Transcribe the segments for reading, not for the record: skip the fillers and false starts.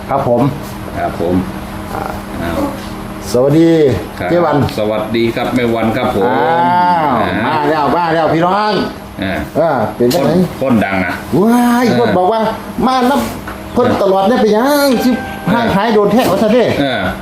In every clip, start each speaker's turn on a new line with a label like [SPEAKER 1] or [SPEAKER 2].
[SPEAKER 1] ครับผมสวัสดีเจ้วัน
[SPEAKER 2] สวัสดีครับแม่วันครับผม
[SPEAKER 1] มาแล้วพี่น้องเป็นยังไง
[SPEAKER 2] คนดังนะ
[SPEAKER 1] ว้ายคนบอกว่ามานับคนตลอดเนี่ยไปยังชิบห่างหายโดนแทะวัฒนเด้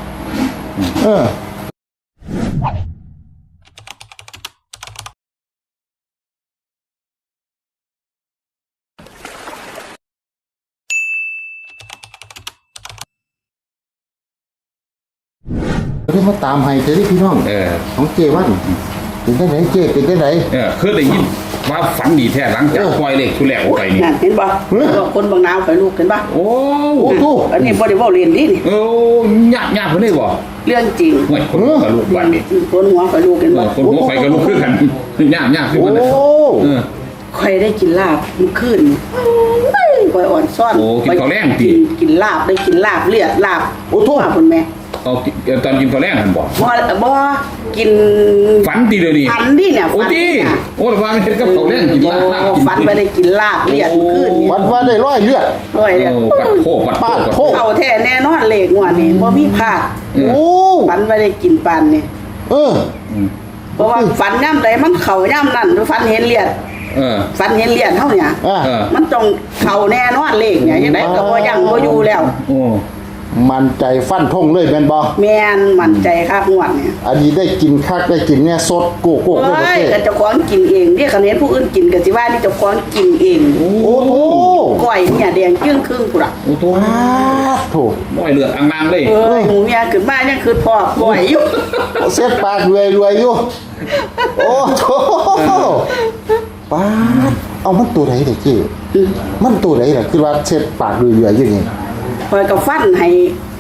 [SPEAKER 1] ได้มาตามให้เจอที่พี่น้องของเจวันเป็นได้ไหนเจเป็นได้ไหน
[SPEAKER 2] คือได้ยินว่าฝันดีแท้หลังจากปล่อยเลขทุแลกออกไปนี่
[SPEAKER 3] เห็นป่ะคนบางนาวไปลูกเห็นป่ะ
[SPEAKER 2] โอ้
[SPEAKER 3] อันนี้บริวารเรียนดีนี่
[SPEAKER 2] โอ้ยากเพิ่นได้บ่
[SPEAKER 3] เรื่องจริง
[SPEAKER 2] คนกับลูกบ้านนี่
[SPEAKER 3] คนหัวกับลูกเห็นป่ะ
[SPEAKER 2] คนหัวไฟกับลูกคือกันยากคือมัน
[SPEAKER 3] ใครได้กินลาบมันขึ้นคอยอ่อนซ่อน
[SPEAKER 2] กินข้าวแรง
[SPEAKER 3] กินลาบได้กินลาบเลือดลาบ
[SPEAKER 1] โอ้โห
[SPEAKER 3] คุณแม่
[SPEAKER 2] ตอนกินข้าวแรงหันบ่
[SPEAKER 3] กิน
[SPEAKER 2] ฝันดีเลยนี่
[SPEAKER 3] ฝันดีเนี่ย
[SPEAKER 2] โอ้ดีโอ้ว่ามันเห็นกับข้าวแรงกินลาบ
[SPEAKER 3] ฝันไปได้กินลาบเลือดขึ้น
[SPEAKER 1] วันว่าได้ร้อยเลือด
[SPEAKER 2] ปัดโค
[SPEAKER 3] เข้าแท้แน่นอนเลขงวดนี้บ่มีพลาดฝันไปได้กินปันนี่เพราะว่าฝันย่ำใดมันเข่าย่ำนั่นฝันเห็นเลือดฝันเห็นเลือดเท่าเนี่ยมันต้องเข่าแน่นอนเลขเนี่ยยังไงก็บ่ยังบ่อยู่แล้ว
[SPEAKER 1] มันใจฟันทงเลยแม่นบ่
[SPEAKER 3] แม่นมันใจคักงวดเนี่ย
[SPEAKER 1] อันนี้ได้กินคักได้กินเนี่ยสดโกโก้
[SPEAKER 3] เลยก็เจ้าของกินเองเรียกคันเห็นผู้อื่นกินก็สิว่านี่เจ้าของกินเอง
[SPEAKER 1] โอ้โห
[SPEAKER 3] ก้อยเนี่ยแดงจึ้งครึ่งพุ่นล่ะ
[SPEAKER 2] โอ้โห
[SPEAKER 1] ถูก
[SPEAKER 2] น้อยเลือดอ่างๆเลย
[SPEAKER 3] หมูเนี่ยขึ้นมายังคือพ่อก้อยอยู่
[SPEAKER 1] เสียปากรวยอยู่โอ้โหป้าเอามันตัวไหนเด้อเจ้มันตัวไหนล่ะคือว่าเช็ดปากรวยอยู่นี่
[SPEAKER 3] คอยกับฟันให้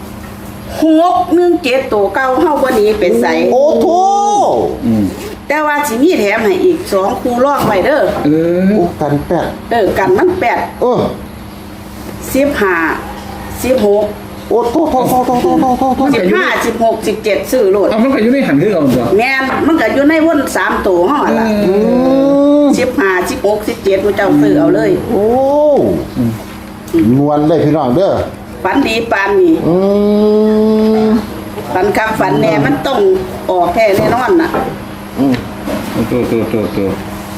[SPEAKER 3] 617ตัวเก่าเฮาบ่หนีเป็นไส
[SPEAKER 1] โอ้โธ่
[SPEAKER 3] แต่ว่าสิมีแถมให้อีก2คู่รองไว้เด้อ
[SPEAKER 1] กันแปด
[SPEAKER 3] กันมัน815 16
[SPEAKER 1] โอ้โธ่
[SPEAKER 3] 15 16 17ซื้อโลด
[SPEAKER 2] มันก็อยู่ในหันคือเอาตัว
[SPEAKER 3] แม่นมันก็อยู่ในวน3ตัวเฮาล่ะ15 16 17ผู้เจ้าซื้อเอาเลย
[SPEAKER 1] โอ้นวลเลยพี่น้องเด้อ
[SPEAKER 3] ฝันดีปานนี่ฝันคำฝันแน่มันต้องออกแค่แน่นอนน่ะ
[SPEAKER 2] ตัว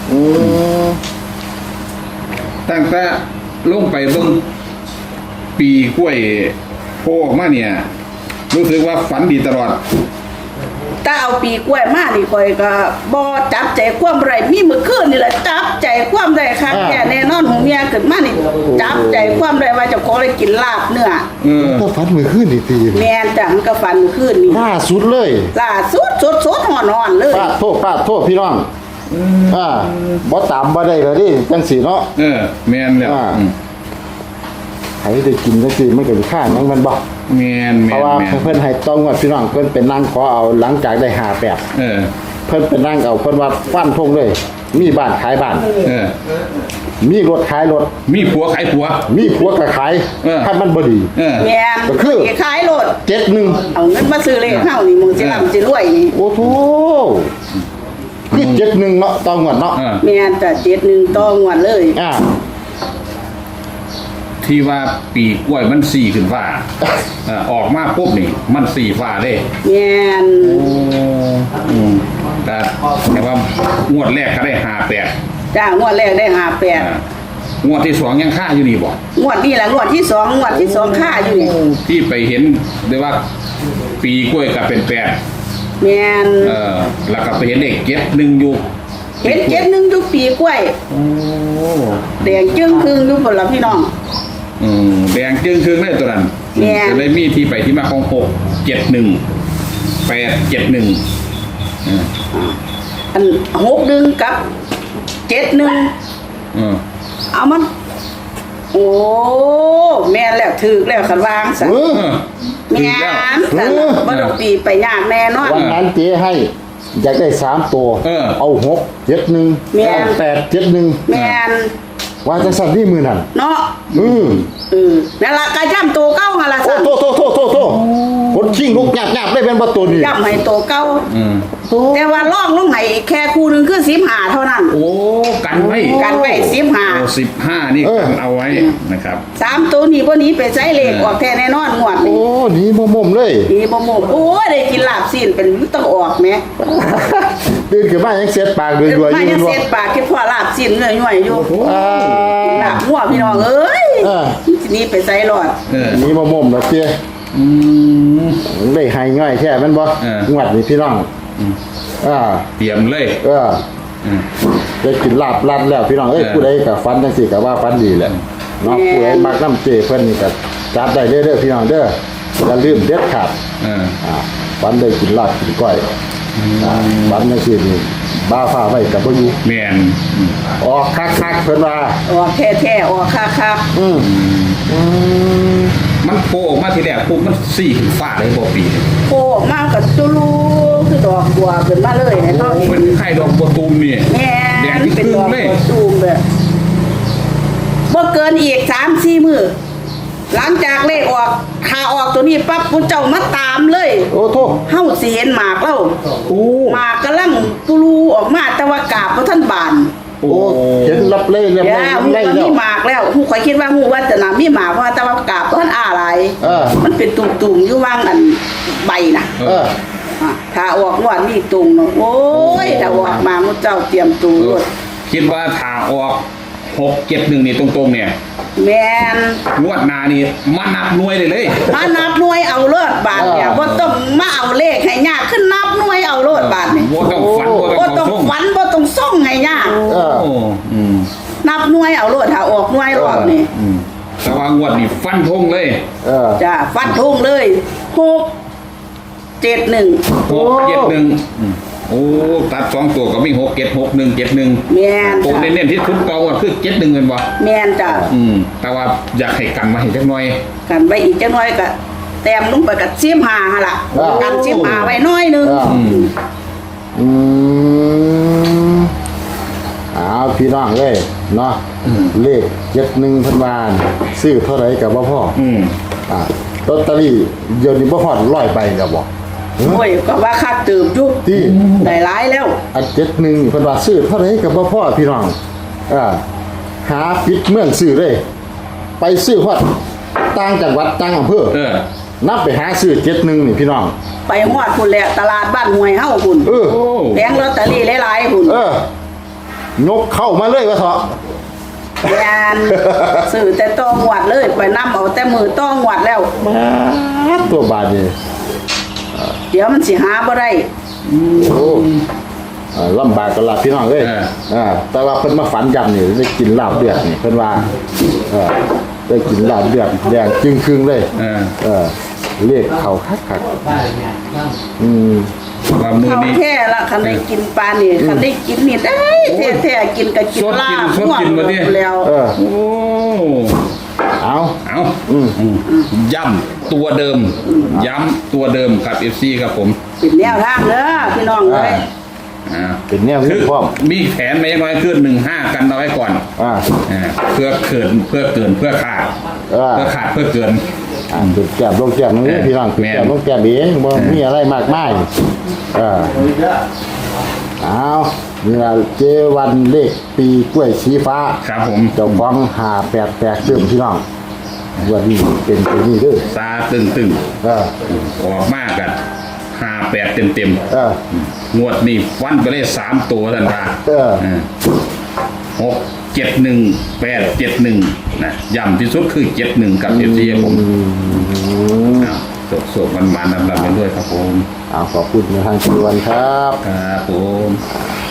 [SPEAKER 2] ตั้งแต่ลงไปเบิ่งปีกล้วยโผล่ออกมาเนี่ยรู้สึกว่าฝันดีตลอด
[SPEAKER 3] ถ้าเอาปีกล้วยมานี่ค่อยก็บ่จับใจความไรมีมื้อคืนนี่แหละจับใจความได้ครับแค่แน่นอนหูเมียขึ้นมานี่จับใจความได้ว่าเจ้าของได้กินลาบเนื้อ
[SPEAKER 1] ก็ฝันมื้อคืนนี่ตี
[SPEAKER 3] แม่นจ้ะมันก็ฝันมื้อคืนนี่
[SPEAKER 1] ล่าสุดเลย
[SPEAKER 3] ล่าสุดสดๆฮ้อนๆเลย
[SPEAKER 1] ปาดโทษพี่น้องบ่ตามบ่ได้เลยดิจังซี่เนาะ
[SPEAKER 2] แม่นแล้ว
[SPEAKER 1] ให้ได้กินจังซี่มันก็สิค่ายังมันบ่
[SPEAKER 2] แม่น
[SPEAKER 1] เพราะว่าเพิ่นให้ต้องว่าพี่น้องเพิ่นเป็นนั่งขอเอาหลังจากได้58เพิ่นเป็นนั่งเอาเพิ่นว่าฟันธงเลยมีบ้านขายบ้านมีรถขายรถ
[SPEAKER 2] มีผัวขายผัว
[SPEAKER 1] มีผัวก็ขายถ้ามันบ่ดี
[SPEAKER 3] แม่น
[SPEAKER 1] ก็คือ
[SPEAKER 3] ขายรถ
[SPEAKER 1] 71
[SPEAKER 3] เอาเงินมาซื้อเลขเฮานี่มึงสิร่ำสิรวยนี่
[SPEAKER 1] โอ้โธ่คือ71เนาะต่องวดเนาะ
[SPEAKER 3] แม่นจ้ะ71ต่องวดเลย
[SPEAKER 2] ที่ว่าปีกล้วยมัน4ขึ้นฟ้าออกมาปุ๊บนี่มัน4ฟ้าเลย
[SPEAKER 3] แม่น
[SPEAKER 2] แต่ว่างวดแรกก็ได้58
[SPEAKER 3] จ้างวดแรกได้58
[SPEAKER 2] งวดที่2ยังค่าอยู่นี่บ่
[SPEAKER 3] งวดนี้ล่ะงวดที่2ค่าอยู่นี่
[SPEAKER 2] ที่ไปเห็นได้ว่าปีกล้วยก็เป็น8
[SPEAKER 3] แม่น
[SPEAKER 2] แล้วก็ไปเห็นเลข71อยู่
[SPEAKER 3] เห็น71อยู่ปีกล้วยแดงจึ้งครึ่งอยู่พุ่นล่ะพี่น้อง
[SPEAKER 2] แดงจึ้งครึ่งเลยตัวนั้นจะได้มีที่ไปที่มาของ671 871
[SPEAKER 3] อัน61กับ71เอามันโอ้แม่แล้วถึกแล้วคันวางซะแม่ซั่นบ่ต้องตีไปยากแน่นอน
[SPEAKER 1] วันนั้นเจ๊ให้อยากได้3ตัวเอา671 871
[SPEAKER 3] แม่น
[SPEAKER 1] ว่าจะสั่นที่มือนั่น
[SPEAKER 3] เนาะนั่นล่ะก็ย่ำตัวเก่าหั่นล่ะ
[SPEAKER 1] สั่นโตคนชิงลูกหยาบๆได้เป็นบ่ตัวนี้
[SPEAKER 3] ย่ำให้ตัวเก่า
[SPEAKER 1] โอ้
[SPEAKER 3] แต่ว่าล่องลงให้แค่คู่หนึงคือ15เท่านั้น
[SPEAKER 2] โอ้กันไว้
[SPEAKER 3] กันไว้
[SPEAKER 2] โอ้
[SPEAKER 3] 15
[SPEAKER 2] 15นี่กันเอาไว้นะครับ
[SPEAKER 3] 3ตัวนี้บ่หนี้ไปใช้เลขออกแท้แน่นอนงวด
[SPEAKER 1] โอ้
[SPEAKER 3] นี้
[SPEAKER 1] หนีบ่มุมเลย
[SPEAKER 3] นี่บ่หมดโอ้ยได้กินลาบซีนเป็นต้องออกแหม
[SPEAKER 1] ตื่นขึ้นมายังเสียดปากด้วยๆอยู่
[SPEAKER 3] มายัง
[SPEAKER 1] บ่
[SPEAKER 3] เสร็จปากคิดพ่อลาบซีนย่อยๆอยู่
[SPEAKER 1] อ่า
[SPEAKER 3] ลาบหัวพี่น้องเอ้ย
[SPEAKER 1] เออ
[SPEAKER 3] ทีนี้ไปใส่รอด
[SPEAKER 2] เออ
[SPEAKER 1] หนีบ่มุมแล้วเตี้ย
[SPEAKER 2] อืม
[SPEAKER 1] ได้ให้ง่ายแค่แมันบ่
[SPEAKER 2] เออ
[SPEAKER 1] งวดนี้พี่น้องอ่า
[SPEAKER 2] เตรียมเลย
[SPEAKER 1] เออ
[SPEAKER 2] อืม
[SPEAKER 1] ได้กินลาบลัดแล้วพี่น้องเอ้ย
[SPEAKER 2] เออ
[SPEAKER 1] ผู้ใดก็ฟันจังซี่ก็ว่าฟันดีแหละเนาะผู้ใดมักน้ำเจเพิ่นนี่ก็จัดได้เด้อพี่น้องเด้ออย่าลืมเด็ดขาด
[SPEAKER 2] เออ
[SPEAKER 1] ฟันได้กินลาบกินก้อยฟันจังซี่นี่บ้าฟ้าไว้กับบ่อยู่
[SPEAKER 2] แมน
[SPEAKER 1] ออกคักๆเพิ่นว่า
[SPEAKER 3] ออกแท้ๆออกคัก
[SPEAKER 1] อืม
[SPEAKER 2] มันโผล่ออกมาทีแรกปุ๊บมันสี่ขึ้นฟ้าเลยบ่ปี
[SPEAKER 3] ๆโผล่ออกมากับตุลูคือดอกบัวขึ้นมาเลยให้เฮาเห็
[SPEAKER 2] เป็น นไข่ดอกบัวตูมนี่
[SPEAKER 3] แม่
[SPEAKER 2] แดง
[SPEAKER 3] น
[SPEAKER 2] ที่
[SPEAKER 3] เป็น
[SPEAKER 2] ครึ่
[SPEAKER 3] ด
[SPEAKER 2] ง
[SPEAKER 3] อก
[SPEAKER 2] เลย
[SPEAKER 3] บัวตูมแบบบ่เกินอีก 3-4 มื้อหลังจากเลขออกข่าออกตัวนี้ปั๊บผู้เจ้ามาตามเลย
[SPEAKER 1] โอ้โท
[SPEAKER 3] เฮาสิเห็นหมากแล้ว
[SPEAKER 1] โอ้
[SPEAKER 3] หมากกำลังตุลูออกมาแต่ว่ากาบบ่ทันบาน
[SPEAKER 1] โอ้เห็นรับเล่เรียบ
[SPEAKER 3] ย่า
[SPEAKER 1] ร้อย
[SPEAKER 3] ฮู้
[SPEAKER 1] ไล่
[SPEAKER 3] ว่า
[SPEAKER 1] แล้
[SPEAKER 3] มี
[SPEAKER 1] ว
[SPEAKER 3] หมากแล้วฮู้ข่อยคิดว่าฮู้ว่าจะน่ะมีหมากเพราะว่าแต่ว่ากาบบ่ทันอ้าหลาย
[SPEAKER 1] เออ
[SPEAKER 3] มันเป็นตุ่มๆอยู่วางอันใบน่ะ
[SPEAKER 1] เออ
[SPEAKER 3] ถ้าออกว่านี่ตุ่มเนาะโอ้ยถ้าออกมามุเจ้าเตรียมตูรถ
[SPEAKER 2] คิดว่าถ้าออก671นี่ตรงๆเนี่ย
[SPEAKER 3] แม่น
[SPEAKER 2] งวดหน้านี่มานับหน่วยเลย
[SPEAKER 3] มานับหน่วยเอาเลิศบาทเนี่ยบ่ต้องมาเอาเลขให้ยากขึ้นนับหน่วยเอาเลิศบาทนี่
[SPEAKER 2] บ่ต้องฝันบ่
[SPEAKER 3] บ่
[SPEAKER 2] ต้
[SPEAKER 3] ต้
[SPEAKER 2] อ
[SPEAKER 3] อง ง
[SPEAKER 2] ส่ง
[SPEAKER 3] ฝันบ่ต้องส่งให้ยาก
[SPEAKER 1] เออ
[SPEAKER 2] โอ้อืม
[SPEAKER 3] นับหน่วยเอาเลิศถ้าออกหน่วยรอบนี่
[SPEAKER 2] อืมแต่ว่างวดนี่ฟันธงเลย
[SPEAKER 1] เออ
[SPEAKER 3] จ้าฟันธงเลย671
[SPEAKER 2] 671อืมโอ้ตัด2ตัวก็มี676 171
[SPEAKER 3] แม่น
[SPEAKER 2] ตัว
[SPEAKER 3] จ้ะ
[SPEAKER 2] เน้นๆที่ทุนเก่าก็คือ71เงินบ่
[SPEAKER 3] แม่นจ้ะ
[SPEAKER 2] อืมแต่ว่าอยากให้กันมาให้จักหน่อย
[SPEAKER 3] กันไว้อีกจักหน่อยก็แต้มลงไปกับ15หั่นล่ะกัน15ไว้หน้อยหนึง
[SPEAKER 2] อืม
[SPEAKER 1] อืมเอาพี่น้องเลยเนาะเลข71เพิ่นว่าซื้อเท่าไหร่ก็บ่พอ
[SPEAKER 2] อืม
[SPEAKER 1] ลอตเตอรี่เดี๋ยวนี้บ่ฮอด100ใบแล้วบ่
[SPEAKER 3] โอ้ยก็ว่าคักเติมอยู่
[SPEAKER 1] ที่
[SPEAKER 3] ได้หลายแล้ว
[SPEAKER 1] อัน71นี่เพิ่นว่าซื้อเท่าไหร่ก็บ่พอพี่น้องหาปิดเมืองซื้อเลย ไปซื้อฮอดต่างจังหวัดต่างอำเภอ
[SPEAKER 2] เออ
[SPEAKER 1] นับไปหาซื้อ71นี่พี่น้อง
[SPEAKER 3] ไปฮอดพุ่นแหละตลาดบ้านห้วยเฮาพุ่น
[SPEAKER 1] เออ
[SPEAKER 2] โอ้
[SPEAKER 3] แผงลอตเตอรี่หลายๆพุ่น
[SPEAKER 1] ยกเข้ามาเลยว่าเถอะ
[SPEAKER 3] แม่นซื้อแต่ต้องหวดเลยไปนํเอาแต่มือต้องหวดแล้ว
[SPEAKER 1] มาตัวบาดนี่
[SPEAKER 3] เดี๋ยวมันสิหาบ่ได้
[SPEAKER 1] โอ้ลำบากกันละพี่น้องเอ้ยแต่ว่าเพิ่นมาฝันยำนี่ได้กินลาบเดือดนี่เพิ่นว่าได้กินลาบเดือดแดงจึงครึ่งเลย เรียกเขาคัก
[SPEAKER 2] ว่ามือ
[SPEAKER 3] เขา
[SPEAKER 2] นี้
[SPEAKER 3] แท้ละคันได้กินปลานี่คันได้กินนี่ได้แท้ๆกินก็กินลาบ
[SPEAKER 2] สดกินบ่เนี่ย
[SPEAKER 3] แล้ว
[SPEAKER 1] เออ
[SPEAKER 2] โอ้
[SPEAKER 1] เอา
[SPEAKER 2] เอาย้ำตัวเดิม ย้ำตัวเดิมครับ FC ครับผม
[SPEAKER 3] เป็นแนวทางเด้อพี่น้องเอ้ย
[SPEAKER 1] เป็นแนว
[SPEAKER 2] คื
[SPEAKER 1] นี้
[SPEAKER 2] อ
[SPEAKER 1] พร้อม
[SPEAKER 2] มีแผนไม่ยังไงขึ้น15กันเอาไว้ก่อน เพื่อเกินเพื่อเกินเพื่อขาดเพื่อขาดเพื่อเกิน
[SPEAKER 1] จุดแก้มลงแก้มนี่พี่น้องจุดแก้มลงแก้มเองบ่มีอะไรมากมายเอานี่ล่ะเจวันเลขปีกล้วยสีฟ้า
[SPEAKER 2] ครับผม
[SPEAKER 1] เจ้าของ588เติมพี่น้องวันนี้เป็นตัวนี้เด้อ
[SPEAKER 2] ตาตึง
[SPEAKER 1] เออ
[SPEAKER 2] ๆออกมากกัน58เต็ม
[SPEAKER 1] เออ
[SPEAKER 2] ๆงวดนี้ฟันไปเลย3ตัวทันที 671 871นะย้ำที่สุดคือ71กับ FC ครับผมสดๆมันๆนำๆไปด้วยครับผม
[SPEAKER 1] ขอบคุณในทางชวนครับ
[SPEAKER 2] ครับผม